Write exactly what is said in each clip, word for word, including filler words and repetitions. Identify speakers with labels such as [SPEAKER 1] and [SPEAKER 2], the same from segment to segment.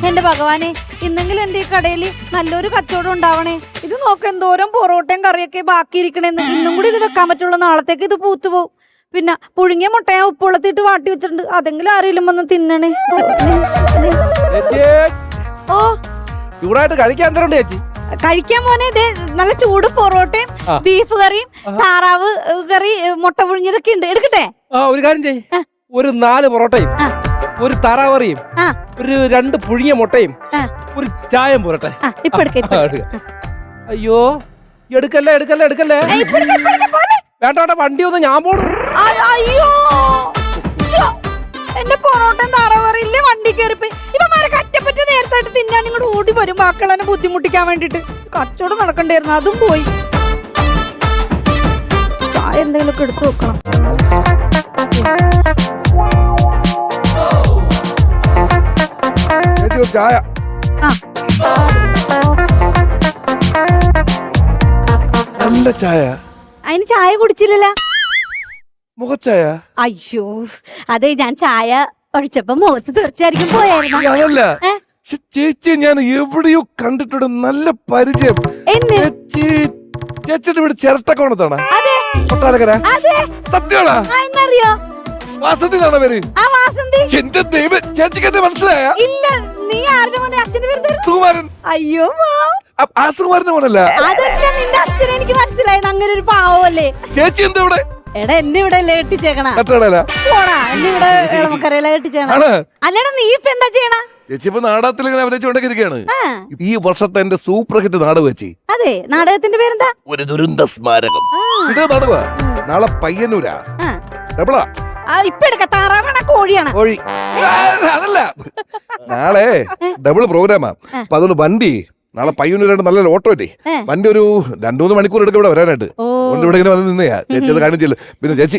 [SPEAKER 1] എന്റെ ഭഗവാനെ, ഇന്നെങ്കിലും എന്റെ ഈ കടയിൽ നല്ലൊരു കച്ചവടം ഉണ്ടാവണേ. ഇത് നോക്ക എന്തോരം പൊറോട്ടയും കറിയൊക്കെ ബാക്കിയിരിക്കണേന്ന്. ഇന്നും കൂടി ഇത് വെക്കാൻ പറ്റുള്ളൂ, നാളത്തേക്ക് ഇത് പൂത്തു പോവും. പിന്നെ പുഴുങ്ങിയ മുട്ടയെ ഉപ്പുള്ളത്തിട്ട് വാട്ടി വെച്ചിട്ടുണ്ട്, അതെങ്കിലും ആരെങ്കിലും വന്ന് തിന്നണേ. ഓ
[SPEAKER 2] ചൂടായിട്ട് കഴിക്കാൻ എന്തരണ്ട് ചേച്ചി?
[SPEAKER 1] കഴിക്കാൻ പോനെ ഇതേ നല്ല ചൂട് പൊറോട്ടയും ബീഫ് കറിയും താറാവ് കറി മുട്ട പുഴുങ്ങിയതൊക്കെ ഉണ്ട്. എടുക്കട്ടെ?
[SPEAKER 2] ആ ഒരു കാര്യം ചെയ്യ്, ഒരു നാല് പൊറോട്ടയും ഒരു താറാവറിയും ഒരു രണ്ട് പുഴുങ്ങിയ മുട്ടയും ഒരു ചായം പോരട്ടെ.
[SPEAKER 1] ഇപ്പൊ എടുക്ക.
[SPEAKER 2] അയ്യോ എടുക്കല്ലേ എടുക്കല്ലേ എടുക്കല്ലേ വേണ്ട വേണ്ട, വണ്ടി ഒന്ന് ഞാൻ പോണു.
[SPEAKER 1] അയ്യോ എന്റെ പൊറോട്ടയും താറാവറിയില്ലേ വണ്ടി കയറിപ്പോയി. ഇവന്മാരെ കറ്റപ്പറ്റ നേരത്തായിട്ട് തിന്നാൻ ഇങ്ങോട്ട് ഓടി വരും, ബാക്കിയുള്ളതിനെ ബുദ്ധിമുട്ടിക്കാൻ വേണ്ടിട്ട്. കച്ചവടം നടക്കണ്ടായിരുന്നു, അതും പോയി. ചായ എന്തെങ്കിലുമൊക്കെ എടുത്തു വെക്കണം.
[SPEAKER 3] ചായ നല്ല ചായ.
[SPEAKER 1] അതിന് ചായ കുടിച്ചില്ലല്ലോ?
[SPEAKER 3] മുഖച്ചായ?
[SPEAKER 1] അയ്യോ അതെ, ഞാൻ ചായ ഒഴിച്ചപ്പോ മുഖത്ത് തീർച്ചയായിരിക്കും പോയായിരുന്നു.
[SPEAKER 3] അതല്ല ചേച്ചി, ഞാൻ എവിടെയോ കണ്ടിട്ടുണ്ട്, നല്ല പരിചയം. ചേച്ചി ചേച്ചിയുടെ വീട് ചിരട്ടക്കോണത്താണ്? കൊട്ടാരക്കര? സത്യമാണോ?
[SPEAKER 1] എന്നറിയോ?
[SPEAKER 3] വാസന്തി എന്നാണ് പേര്. എന്റെ ദൈവം, ചേച്ചിക്ക് എന്നെ മനസ്സിലായ?
[SPEAKER 1] ഇല്ല, നീ ആരുടെ മോനെ? അച്ഛന്റെ പേര്
[SPEAKER 3] സുകുമാരൻ.
[SPEAKER 1] അയ്യോ
[SPEAKER 3] ആ സുകുമാരന്റെ മോനല്ല?
[SPEAKER 1] അതല്ല, നിന്റെ അച്ഛനെ എനിക്ക് മനസ്സിലായത്. അങ്ങനെ ഒരു പാവല്ലേ.
[SPEAKER 3] ചേച്ചി എന്താ ഇവിടെ?
[SPEAKER 1] എടാ എന്നെ ഇവിടെ കെട്ടിച്ചേക്കണ? പോടാ, എന്നെ ഇവിടെ ഇളമക്കരയില കെട്ടിച്ചേക്കണ. അല്ലടാ നീ ഇപ്പൊ എന്താ ചെയ്യണ?
[SPEAKER 3] ചേച്ചി ഇപ്പൊ നാടകത്തിൽ ഇങ്ങനെ അഭിനയിച്ചുകൊണ്ടിരിക്കുകയാണ്. ഈ വർഷത്തെ എന്റെ സൂപ്പർ ഹിറ്റ് നാടകം വെച്ചി.
[SPEAKER 1] അതെ, നാടകത്തിന്റെ പേരെന്താ?
[SPEAKER 3] ഒരു ദുരന്ത സ്മാരകം. ഇത് നാടക നാളെ പയ്യന്നൂരാ. ഡബിളാ.
[SPEAKER 1] ഇപ്പൊ എടുക്ക. താറാവാണ കോഴിയാണ്?
[SPEAKER 3] കോഴി. അതല്ല, നാളെ ഡബിൾ പ്രോഗ്രാമാ. അപ്പൊ അതുകൊണ്ട് വണ്ടി നാളെ പയ്യന്നൂരായിട്ട് നല്ല ഓട്ടോ ഇല്ലേ, വണ്ടി ഒരു രണ്ടു മൂന്ന് മണിക്കൂർ എടുക്കും ഇവിടെ വരാനായിട്ട്. അതുകൊണ്ട് ഇവിടെ ഇങ്ങനെ വന്ന് നിന്നെയാ. ചേച്ചി അത് കാണിച്ചില്ല. പിന്നെ ചേച്ചി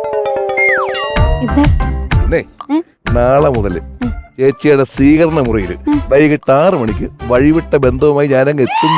[SPEAKER 3] എന്നേ നാളെ മുതല് ചേച്ചിയുടെ സ്വീകരണ മുറിയിൽ വൈകിട്ട് ആറ് മണിക്ക് വഴിവിട്ട ബന്ധവുമായി ഞാനങ്ങ് എത്തും.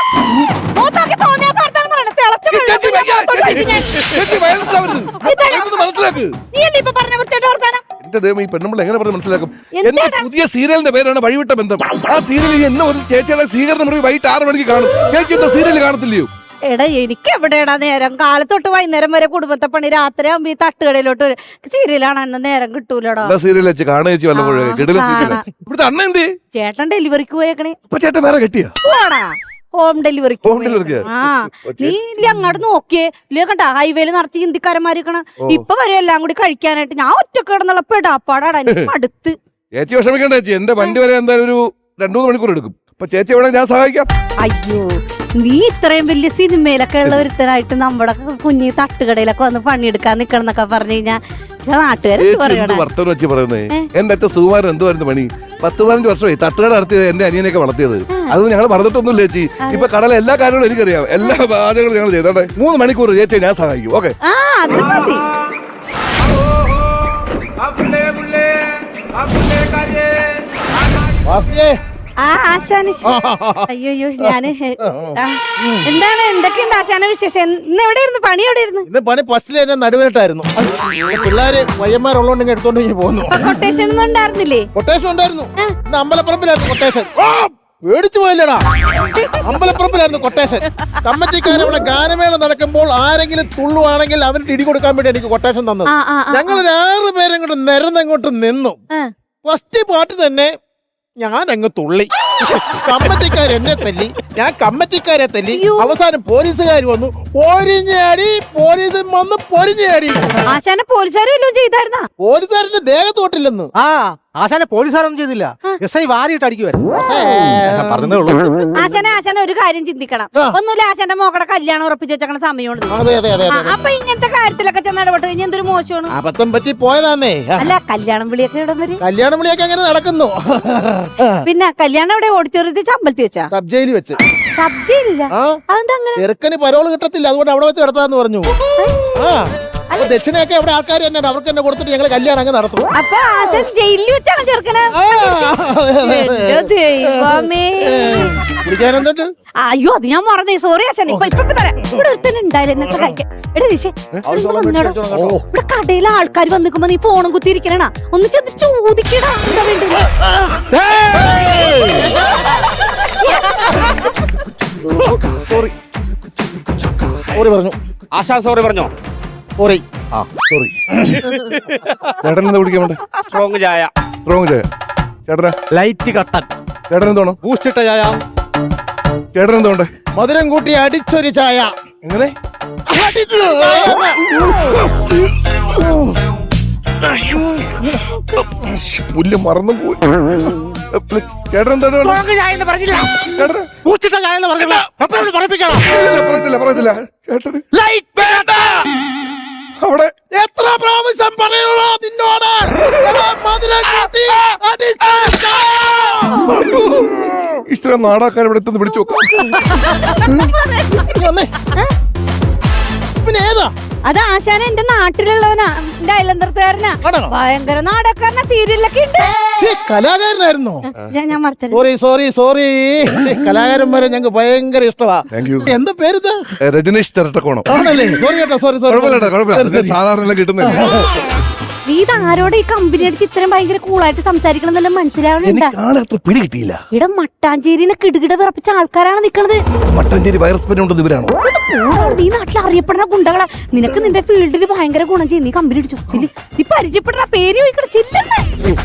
[SPEAKER 3] എന്റെ ദൈവം, ഈ പെണ്ണുമ്പോൾ എങ്ങനെ പറഞ്ഞ് മനസ്സിലാക്കും? എന്റെ പുതിയ സീരിയലിന്റെ പേരാണ് വഴിവിട്ട ബന്ധം. ആ സീരിയലിൽ എന്നെ ഒരു ചേച്ചിയുടെ സ്വീകരണ മുറി വൈകിട്ട് ആറ് മണിക്ക് കാണും. ചേച്ചി എന്താ സീരിയൽ കാണത്തില്ലയോ?
[SPEAKER 1] എടാ എനിക്ക് എവിടെയാടാ നേരം? കാലത്തൊട്ട് വൈകുന്നേരം വരെ കുടുംബത്തെ പണി, രാത്രി ആകുമ്പോ ഈ തട്ടുകടയിലോട്ട് ഒരു സീരിയലാണ്. അന്ന് നേരം കിട്ടൂലടാ.
[SPEAKER 3] സീരിയൽ വെച്ച് കാണുക ചേച്ചി വല്ലപ്പോഴേ. ഇവിടുത്തെ അണ്ണ എന്തേ?
[SPEAKER 1] ചേട്ടൻ ഡെലിവറിക്ക് പോയേക്കണേ.
[SPEAKER 3] അപ്പൊ ചേട്ടൻ വേറെ കെട്ടിയാ?
[SPEAKER 1] Home delivery. ആ നീ ഇല്ല അങ്ങോട്ട് നോക്കിയേ ഇല്ല കണ്ട, ഹൈവേയിൽ നിറച്ച് ഹിന്ദിക്കാരന്മാരിക്കണ. ഇപ്പൊ വരെ എല്ലാം കൂടി കഴിക്കാനായിട്ട് ഞാൻ ഒറ്റക്ക് കിടന്നുള്ള പെടാപ്പാടാടാ. അടുത്ത്
[SPEAKER 3] ചേച്ചി വിഷമിക്കണ്ട ചേച്ചി, എന്റെ വണ്ടി വരെ എന്തായാലും ഒരു രണ്ടു മൂന്ന് മണിക്കൂർ എടുക്കും. അപ്പൊ ചേച്ചി എവിടെ ഞാൻ സഹായിക്കാം.
[SPEAKER 1] അയ്യോ നീ ഇത്രയും വലിയ സിനിമയിലൊക്കെ ഉള്ള ഒരുത്തനായിട്ട് നമ്മുടെ കുഞ്ഞി തട്ടുകടയിലൊക്കെ വന്ന് പണിയെടുക്കാൻ നിക്കണം എന്നൊക്കെ പറഞ്ഞു കഴിഞ്ഞാൽ
[SPEAKER 3] വർത്തമാനം വെച്ച് പറയുന്നേ. എന്റെ അച്ഛൻ സുകുമാരൻ എന്തുവായിരുന്നു പണി? പത്ത് പതിനഞ്ച് വർഷമായി തട്ടുകട നടത്തിയത്, എന്റെ അനിയനെയൊക്കെ വളർത്തിയത്. അതൊന്നും ഞങ്ങൾ മറന്നിട്ടൊന്നുമില്ല ചേച്ചി. ഇപ്പൊ കടല എല്ലാ കാര്യങ്ങളും എനിക്കറിയാം, എല്ലാ പാചകങ്ങളും ഞങ്ങൾ ചെയ്തോട്ടെ. മൂന്ന് മണിക്കൂർ ചേച്ചി ഞാൻ സഹായിക്കും. ഓക്കെ?
[SPEAKER 1] അയ്യോ ഞാന് എന്താണ് എന്തൊക്കെയുണ്ട് ആശാന വിശേഷം? ഇന്ന് എവിടെയായിരുന്നു പണി? എവിടെയായിരുന്നു
[SPEAKER 4] ഇന്ന് പണി? ഫസ്റ്റില് എന്നെ നടുവേട്ടായിരുന്നു. പിള്ളേര് വയ്യന്മാരുള്ളോണ്ടെങ്കിൽ എടുത്തോണ്ട് പോകുന്നു.
[SPEAKER 1] കൊട്ടേഷൻ ഒന്നും ഉണ്ടായിരുന്നില്ലേ?
[SPEAKER 4] കൊട്ടേഷൻ ഉണ്ടായിരുന്നു. ഇന്ന് അമ്പലപ്പറമ്പിലായിരുന്നു കൊട്ടേഷൻ. പേടിച്ചു പോയില്ലടാ, അമ്പലപ്പറമ്പിലായിരുന്നു കൊട്ടേഷൻ. കമ്മറ്റിക്കാർ ഇവിടെ ഗാനമേള നടക്കുമ്പോൾ ആരെങ്കിലും തുള്ളുവാണെങ്കിൽ അവന് ഇടി കൊടുക്കാൻ വേണ്ടി എനിക്ക് കൊട്ടേഷൻ തന്നത്. ഞങ്ങൾ ഒരു ആറ് പേരും കൂടെ നിരന്നങ്ങോട്ട് നിന്നു. ഫസ്റ്റ് പാട്ട് തന്നെ ഞാൻ അങ്ങ് തുള്ളി. കമ്മറ്റിക്കാർ എന്നെ തല്ലി, ഞാൻ കമ്മറ്റിക്കാരെ തല്ലി. അവസാനം പോലീസുകാർ വന്നു, പൊരിഞ്ഞാടി. പോലീസ് വന്ന് പൊരിഞ്ഞാടി.
[SPEAKER 1] ആശാനെ പോലീസുകാരും ചെയ്തായിരുന്ന?
[SPEAKER 4] പോലീസുകാരന്റെ ദേഹത്തോട്ടില്ലെന്ന്.
[SPEAKER 5] ആ ആശാനെ പോലീസുകാരൊന്നും ചെയ്തില്ല, എസ് ഐ വാരിയിട്ട് അടിക്കുവായിരുന്നു.
[SPEAKER 1] ആശാനെ ആശാനെ ഒരു കാര്യം ചിന്തിക്കണം. ഒന്നുമില്ല, ആശാന്റെ മോക്കടെ കല്യാണം ഉറപ്പിച്ച് വെച്ചേക്കണ സമയമാണ്. അപ്പൊ ഇങ്ങനത്തെ കാര്യത്തിലൊക്കെ ചെന്ന് ഇടപെട്ട് കഴിഞ്ഞാൽ എന്തൊരു മോശമാണ്.
[SPEAKER 4] അബദ്ധം പറ്റി പോയതാന്നേ.
[SPEAKER 1] അല്ല കല്യാണം വിളിയൊക്കെ ഇടം വരെ
[SPEAKER 4] കല്യാണം വിളിയൊക്കെ അങ്ങനെ നടക്കുന്നു.
[SPEAKER 1] പിന്നെ കല്യാണം എവിടെ? ഓഡിറ്റോറിയത്തിൽ ചമ്പലത്തി വെച്ചാ?
[SPEAKER 4] സബ് ജയിലിൽ വെച്ച്.
[SPEAKER 1] സബ് ജയിലില്ല? അതെന്താ അങ്ങനെ?
[SPEAKER 4] ചെറുക്കന് പരോള് കിട്ടത്തില്ല, അതുകൊണ്ട് അവിടെ വെച്ച് നടത്താന്ന് പറഞ്ഞു. ആ ദക്ഷിണയൊക്കെ അവിടെ ആൾക്കാർ തന്നെ അവർക്ക് തന്നെ കൊടുത്തിട്ട് ഞങ്ങൾ കല്യാണം അങ്ങ് നടത്തും.
[SPEAKER 1] അപ്പൊ ജയിലിൽ വെച്ചാണ് ചെറുക്കന്?
[SPEAKER 4] കുടിക്കാൻ എന്തുണ്ട്?
[SPEAKER 1] അയ്യോ അത് ഞാൻ മറന്നേ, സോറി ആശാൻ. ഇപ്പൊ ഇപ്പൊ തരാം. ഇവിടെ ഒരുത്തന്നെ ഉണ്ടായില്ല എന്നെ സഹായിക്കാൻ. എടാ ദിശേ, ഇവിടെ കടയിലെ ആൾക്കാർ വന്നിക്കുമ്പോ നീ ഫോണും കുത്തിയിരിക്കണ, ഒന്ന് ചെന്ന് ചോദിക്കടാ എന്താ വേണ്ടത്.
[SPEAKER 4] സോറി പറഞ്ഞു.
[SPEAKER 6] ആശാ സോറി പറഞ്ഞോ?
[SPEAKER 4] സോറി.
[SPEAKER 3] ആ സോറി. ചേട്ടൻ എന്താ കുടിക്കാൻ വേണ്ടേ?
[SPEAKER 6] സ്ട്രോങ് ചായ.
[SPEAKER 3] സ്ട്രോങ് ചായ. ചേട്ടനാ?
[SPEAKER 5] ലൈറ്റ് കട്ടൻ.
[SPEAKER 3] ചേട്ടൻ എന്തോണം?
[SPEAKER 5] ബൂസ്റ്റിട്ട ചായ.
[SPEAKER 3] ചേട്ടൻ എന്തോണ്ടേ?
[SPEAKER 4] മധുരം കൂട്ടി അടിച്ചൊരു ചായ.
[SPEAKER 3] എങ്ങനെ? പുല്ല് മറന്നു പോയി. ചേട്ടൻ എന്താണ് വേണ്ടത്?
[SPEAKER 6] സ്ട്രോങ് ചായ എന്ന് പറഞ്ഞില്ല.
[SPEAKER 3] ചേട്ടന്?
[SPEAKER 5] ബൂസ്റ്റിട്ട ചായ എന്ന് പറഞ്ഞില്ല. എപ്പോഴും പറയിപ്പിക്കണം.
[SPEAKER 3] ഇല്ല, പറയത്തില്ല പറയത്തില്ല. ചേട്ടന് അവിടെ
[SPEAKER 4] എത്ര പ്രാവശ്യം പറയണോ നിന്നോട്? എടാ, മധുരം കൂട്ടി അടിച്ചൊരു ചായ.
[SPEAKER 3] ഇഷ്ടം നാടാക്കാൻ ഇവിടെ എത്തുന്ന പിടിച്ചു നോക്കാം.
[SPEAKER 4] വന്നേ. പിന്നെ ഏതാ?
[SPEAKER 1] അത് ആശാന എന്റെ നാട്ടിലുള്ളവനാ, എന്റെ അയലന്തരത്തുകാരനാ.
[SPEAKER 4] ആണോ?
[SPEAKER 1] ഭയങ്കര നാടകക്കാരനാ, സീരിയലൊക്കെ ഉണ്ട്.
[SPEAKER 4] ശ്ശേ, കലാകാരനായിരുന്നോ?
[SPEAKER 1] ഞാൻ ഞാൻ മറത്തല്ല.
[SPEAKER 4] Sorry sorry sorry. കലാകാരന്മാരെ ഞങ്ങൾക്ക് ഭയങ്കര ഇഷ്ടമാ.
[SPEAKER 3] Thank you.
[SPEAKER 4] എന്താ പേരിത്?
[SPEAKER 3] രജനീഷ് തിരട്ടക്കോണം.
[SPEAKER 4] ആണല്ലേ? സോറി കേട്ടോ, സോറി സോറി.
[SPEAKER 3] കുഴപ്പമില്ല കുഴപ്പമില്ല. സാധാരണ എല്ലാം കിട്ടുന്നില്ല.
[SPEAKER 1] നീ ഇത് ആരോട് ഈ കമ്പനി അടിച്ച് ഇത്രയും ഭയങ്കര കൂളായിട്ട് സംസാരിക്കണം എന്നെല്ലാം മനസ്സിലാവണുണ്ടാ?
[SPEAKER 3] എനിക്ക് ആളെ അത്ര പിടി കിട്ടിയില്ല.
[SPEAKER 1] ഇവിടെ മട്ടാഞ്ചേരിനെ കിടുകിട വിറപ്പിച്ച ആൾക്കാരാണ് നിക്കണത്.
[SPEAKER 3] മട്ടാഞ്ചേരി വൈറസ് പനി ഉണ്ടെന്ന് ഇവരാണോ?
[SPEAKER 1] നീ നാട്ടിൽ അറിയപ്പെടുന്ന ഗുണ്ടകളാ. നിനക്ക് നിന്റെ ഫീൽഡിൽ ഭയങ്കര ഗുണം ചെയ്യും. നീ കമ്പനി അടിച്ചു ചെല്ലി. നീ പരിചയപ്പെടുന്ന പേര് ചോദിക്കണ ചെല്ലെന്ന്.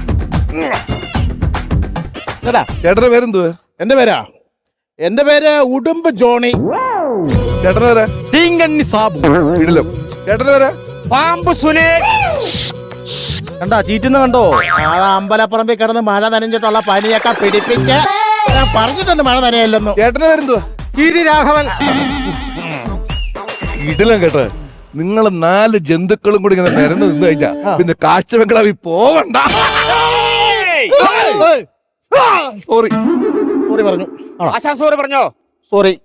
[SPEAKER 4] എടാ,
[SPEAKER 3] ചേട്ടന്റെ പേരെന്തുവാ?
[SPEAKER 4] എന്റെ പേരാ എന്റെ പേര് ഉടുമ്പ് ജോണി.
[SPEAKER 3] ചേട്ടന് പേരാ?
[SPEAKER 5] തീങ്കണ്ണി സാബു.
[SPEAKER 3] ഇടലോ. ചേട്ടന് പേരാ?
[SPEAKER 6] പാമ്പ് സുനേൻ.
[SPEAKER 5] കണ്ടാ ചീറ്റുന്ന കണ്ടോ?
[SPEAKER 4] ആ അമ്പലപ്പറമ്പിൽ കിടന്ന് മഴ നനഞ്ഞിട്ടുള്ള പനിയൊക്കെ പിടിപ്പിച്ച് ഞാൻ പറഞ്ഞിട്ടുണ്ട് മഴ നനയല്ലെന്നു.
[SPEAKER 3] ചേട്ടന്റെ പേരെന്തുവാ?
[SPEAKER 5] രാഘവൻ.
[SPEAKER 3] ഇടലം കേട്ടോ. നിങ്ങൾ നാല് ജന്തുക്കളും കൂടി ഇങ്ങനെ നിരന്ന് നിന്ന് കഴിഞ്ഞാ പിന്നെ കാഴ്ച ബംഗ്ലാവിൽ പോവണ്ട. സോറി
[SPEAKER 4] സോറി പറഞ്ഞു.
[SPEAKER 6] ആശാ സോറി പറഞ്ഞോ?
[SPEAKER 4] സോറി.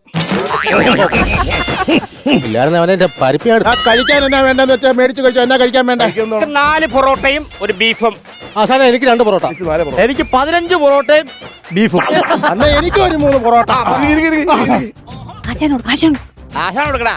[SPEAKER 5] ഇല്ലായിരുന്നു അവനെ പരിപ്പിയാണ്.
[SPEAKER 4] ആ കഴിക്കാൻ എന്നാ വേണ്ടെന്ന് വെച്ചാൽ മേടിച്ചു കഴിച്ചോ. എന്നാ കഴിക്കാൻ വേണ്ട?
[SPEAKER 6] നാല് പൊറോട്ടയും ഒരു ബീഫും.
[SPEAKER 5] ആശാന എനിക്ക് രണ്ട് പൊറോട്ട. എനിക്ക് പതിനഞ്ച് പൊറോട്ടയും ബീഫും.
[SPEAKER 4] അന്ന് എനിക്ക് ഒരു മൂന്ന് പൊറോട്ട.
[SPEAKER 1] ആശാനോട് ആശാനോട്
[SPEAKER 6] ആശാ കൊടുക്കടാ.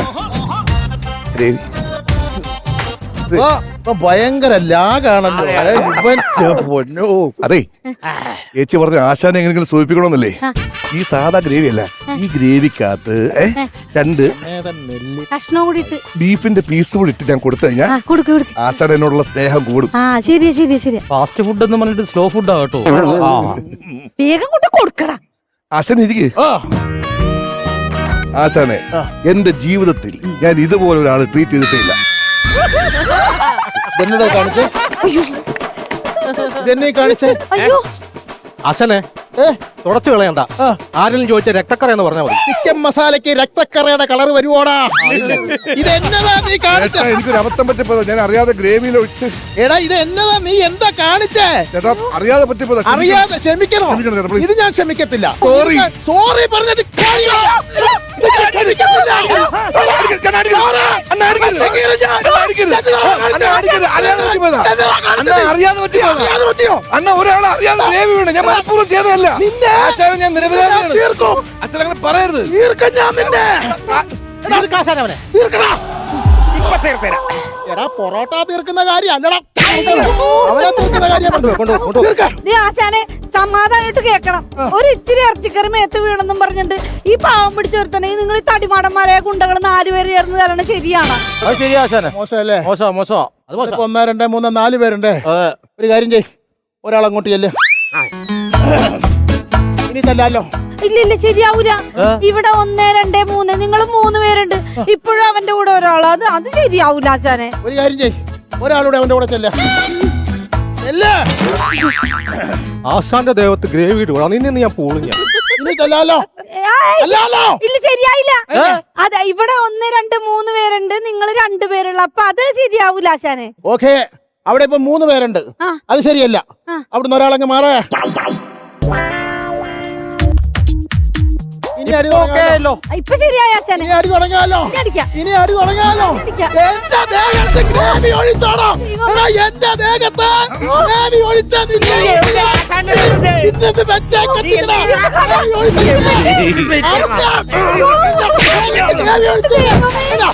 [SPEAKER 4] ഇപ്പൊ ഇപ്പൊ ഭയങ്കര ലാഗാണല്ലോ.
[SPEAKER 6] അതെ,
[SPEAKER 4] ഇവൻ പൊന്നോ.
[SPEAKER 3] അതെ ചേച്ചി പറഞ്ഞ ആശാനെ എങ്ങനെയെങ്കിലും സൂചിപ്പിക്കണമെന്നല്ലേ? ഈ സാധാ ഗ്രേവി അല്ല, ഈ ഗ്രേവിക്കകത്ത് ഏ, രണ്ട്
[SPEAKER 1] കഷ്ണം കൂടി ഇട്ട്
[SPEAKER 3] ബീഫിന്റെ പീസ് കൂടി ഇട്ട് ഞാൻ കൊടുത്തു കഴിഞ്ഞാൽ
[SPEAKER 1] ആ കൊടുക്ക് കൊടുക്ക്.
[SPEAKER 3] ആശാൻ എന്നോടുള്ള സ്നേഹം കൂടും.
[SPEAKER 1] ആ ശരിയാ ശരിയാ ശരിയാ.
[SPEAKER 5] ഫാസ്റ്റ് ഫുഡ് എന്ന് പറഞ്ഞിട്ട് സ്ലോ ഫുഡാ കേട്ടോ.
[SPEAKER 1] വേഗം കൊണ്ട് കൊടുക്കടാ.
[SPEAKER 3] ആശാൻ ഇരിക്കേ.
[SPEAKER 4] ആ,
[SPEAKER 3] ആശാനെ എന്റെ ജീവിതത്തിൽ ഞാൻ ഇതുപോലെ ഒരാൾ ട്രീറ്റ് ചെയ്തിട്ടില്ല.
[SPEAKER 4] ഇതെന്നോട് കാണിച്ചേ. ഇതെന്നെ കാണിച്ചേ.
[SPEAKER 1] അയ്യോ
[SPEAKER 5] ആശാനെ
[SPEAKER 4] ഏ,
[SPEAKER 5] തുടച്ചു കളയണ്ട. ആരെങ്കിലും ചോദിച്ച രക്തക്കറ എന്ന് പറഞ്ഞാൽ മതി.
[SPEAKER 4] ചിക്കൻ മസാലയ്ക്ക് രക്തക്കറയുടെ കളർ വരുവോടാ? ഇതെന്നതാ നീ കാണിച്ച?
[SPEAKER 3] ചേട്ടാ, എനിക്കൊരു അബദ്ധം പറ്റിപ്പോയതാ. ഞാൻ അറിയാതെ ഗ്രേവിയിൽ ഒഴിച്ച്.
[SPEAKER 4] എടാ, ഇത് എന്നതാ നീ എന്താ കാണിച്ചേ?
[SPEAKER 3] ചേട്ടാ അറിയാതെ പറ്റിപ്പോയതാ.
[SPEAKER 4] അറിയാതെ ക്ഷമിക്കണോ?
[SPEAKER 3] ക്ഷമിക്കണം ചേട്ടാ, please.
[SPEAKER 4] ഇത് ഞാൻ ക്ഷമിക്കത്തില്ല.
[SPEAKER 3] Sorry.
[SPEAKER 4] സോറി പറഞ്ഞത് കാര്യമാ. ഇത് ഞാൻ ക്ഷമിക്കത്തില്ല.
[SPEAKER 3] അണ്ണാ അടിക്കരുത്. അണ്ണാ അടിക്കരുത്. അണ്ണാ അടിക്കരുത്. അണ്ണാ അടിക്കരുത്. അറിയാതെ പറ്റിപ്പോയതാ. അണ്ണാ അറിയാതെ പറ്റിപ്പോയതാ.
[SPEAKER 4] അറിയാതെ പറ്റിയോ?
[SPEAKER 3] അണ്ണ ഒരാൾ അറിയാതെ ഗ്രേവി വീണ്. ഞാൻ മനഃപൂർവ്വം ചെയ്തതല്ല.
[SPEAKER 4] നിന്നെ
[SPEAKER 3] ആശാനെ ഞാൻ നിരപരാധിയാണ്.
[SPEAKER 4] തീർക്കും.
[SPEAKER 3] അച്ഛൻ അങ്ങനെ പറയരുത്.
[SPEAKER 4] തീർക്കും ഞാൻ നിന്നെ.
[SPEAKER 5] ആശാനവനെ
[SPEAKER 4] തീർക്കടാ.
[SPEAKER 6] ഇപ്പൊ തീർത്തരാം.
[SPEAKER 4] എടാ, പൊറോട്ട തീർക്കുന്ന കാര്യം അല്ലടാ. അവനെ തീർക്കുന്ന കാര്യം തീർക്കാം.
[SPEAKER 1] നീ ആശാനെ സമാധാനമായിട്ട് കേക്കണം. ഒരു ഇച്ചിരി ഇറച്ചിക്കറി മേത്ത് വീണെന്നും പറഞ്ഞിട്ട് ഈ പാവം പിടിച്ചോർത്തന്നെ നിങ്ങൾ ഈ തടിമാടന്മാരായ ഗുണ്ടകൾ നാലുപേര് ചേർന്ന് തരണം ശരിയാണ്?
[SPEAKER 5] അത് ശരിയാ ആശാനെ.
[SPEAKER 4] മോശമല്ലേ?
[SPEAKER 5] മോശം മോശം അത് മോശം.
[SPEAKER 4] ഇപ്പൊ ഒന്നോ രണ്ടോ മൂന്നോ നാല് പേരുണ്ടേ.
[SPEAKER 5] അതെ.
[SPEAKER 4] ഒരു കാര്യം ചെയ്, ഒരാളങ്ങോട്ട് ചെല്ല്. ഇനി തല്ലാലോ.
[SPEAKER 1] ഇല്ല ഇല്ല ശരിയാവൂല. ഇവിടെ ഒന്ന് രണ്ട് മൂന്ന് നിങ്ങൾ മൂന്ന് പേരുണ്ട്. ഇപ്പോഴും അവന്റെ കൂടെ ഒരാള്. അത് അത് ശരിയാവൂല ആശാനെ.
[SPEAKER 4] ഒരു കാര്യം ചെയ്, ഒരാളൂടെ അവന്റെ കൂടെ ചെല്ല.
[SPEAKER 5] ആശാന്റെ ദേവത്ത് ഗ്രേവി ഇടുക. നിന്ന് ഞാൻ പോളും ഞാൻ.
[SPEAKER 4] ഇനി തല്ലാലോ.
[SPEAKER 1] ഏയ്,
[SPEAKER 4] അല്ലാലോ.
[SPEAKER 1] ഇല്ല ശരിയായില്ല. അതെ ഇവിടെ ഒന്ന് രണ്ട് മൂന്ന് പേരുണ്ട്. നിങ്ങൾ രണ്ടുപേരുള്ള അപ്പൊ അത് ശരിയാവൂല ആശാനെ.
[SPEAKER 4] ഓക്കെ, അവിടെ ഇപ്പൊ മൂന്ന് പേരുണ്ട്.
[SPEAKER 1] ആ.
[SPEAKER 4] അത് ശരിയല്ല.
[SPEAKER 1] ആ.
[SPEAKER 4] അവിടുന്ന് ഒരാളങ്ങ് മാറേ. ഇനി അടി തുടങ്ങാലോ.
[SPEAKER 1] ഇപ്പൊ ശരിയായ ആശാനെ.
[SPEAKER 4] ഇനി അടി തുടങ്ങാലോ.
[SPEAKER 1] ഇനി അടിക്കാം.
[SPEAKER 4] ഇനി അടി തുടങ്ങാലോ.
[SPEAKER 1] അടിക്കാം.
[SPEAKER 4] എന്റെ ദേഹത്ത് ഗ്രേവി ഒഴിച്ചോടോ. എടാ, എന്റെ ദേഹത്ത് ഗ്രേവി ഒഴിച്ച നിന്നെ ഇന്നിട്ട് വെച്ചേക്കത്തില്ലടാ. ഗ്രേവി ഒഴിച്ച നിന്നെ. അടിക്കാം. ഗ്രേവി ഒഴിച്ച എടാ.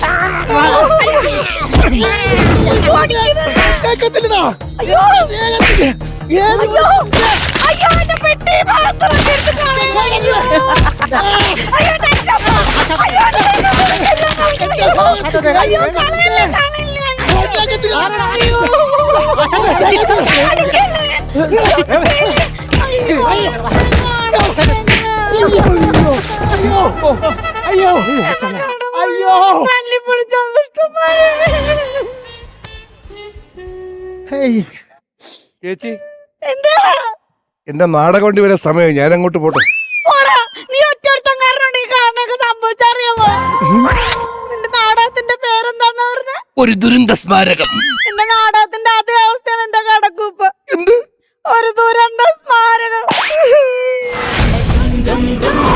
[SPEAKER 4] കേക്കത്തില്ലടാ.
[SPEAKER 1] അയ്യോ
[SPEAKER 4] ദേഹത്ത് ഗ്രേവി
[SPEAKER 1] അയ്യോ അയ്യോ എന്റെ പെട്ടി മാത്രം എടുത്ത് കളയല്ലേ. അയ്യോ, ടെൻഷൻ. അയ്യോ, അയ്യോ, കളയല്ലേ, കളയല്ലേ. അയ്യോ.
[SPEAKER 5] അയ്യോ അയ്യോ ഹേയ്.
[SPEAKER 3] ചേച്ചി
[SPEAKER 1] എന്താ
[SPEAKER 3] എന്റെ നാടകം കൊണ്ട് വരെ സമയം ഞാൻ അങ്ങോട്ട് പോട്ടെ.
[SPEAKER 1] പോടാ, നീ ഒറ്റൊരുത്തൻ കാരണം ഈ കാണുന്നൊക്കെ സംഭവിച്ചറിയാമോ? നിന്റെ നാടകത്തിന്റെ പേരെന്താന്ന് പറഞ്ഞ?
[SPEAKER 3] ഒരു ദുരന്ത സ്മാരകം.
[SPEAKER 1] എന്റെ നാടകത്തിന്റെ അതേ അവസ്ഥയാണ് എന്റെ കടക്കൂപ്പ.
[SPEAKER 3] എന്ത്?
[SPEAKER 1] ഒരു ദുരന്ത സ്മാരകം.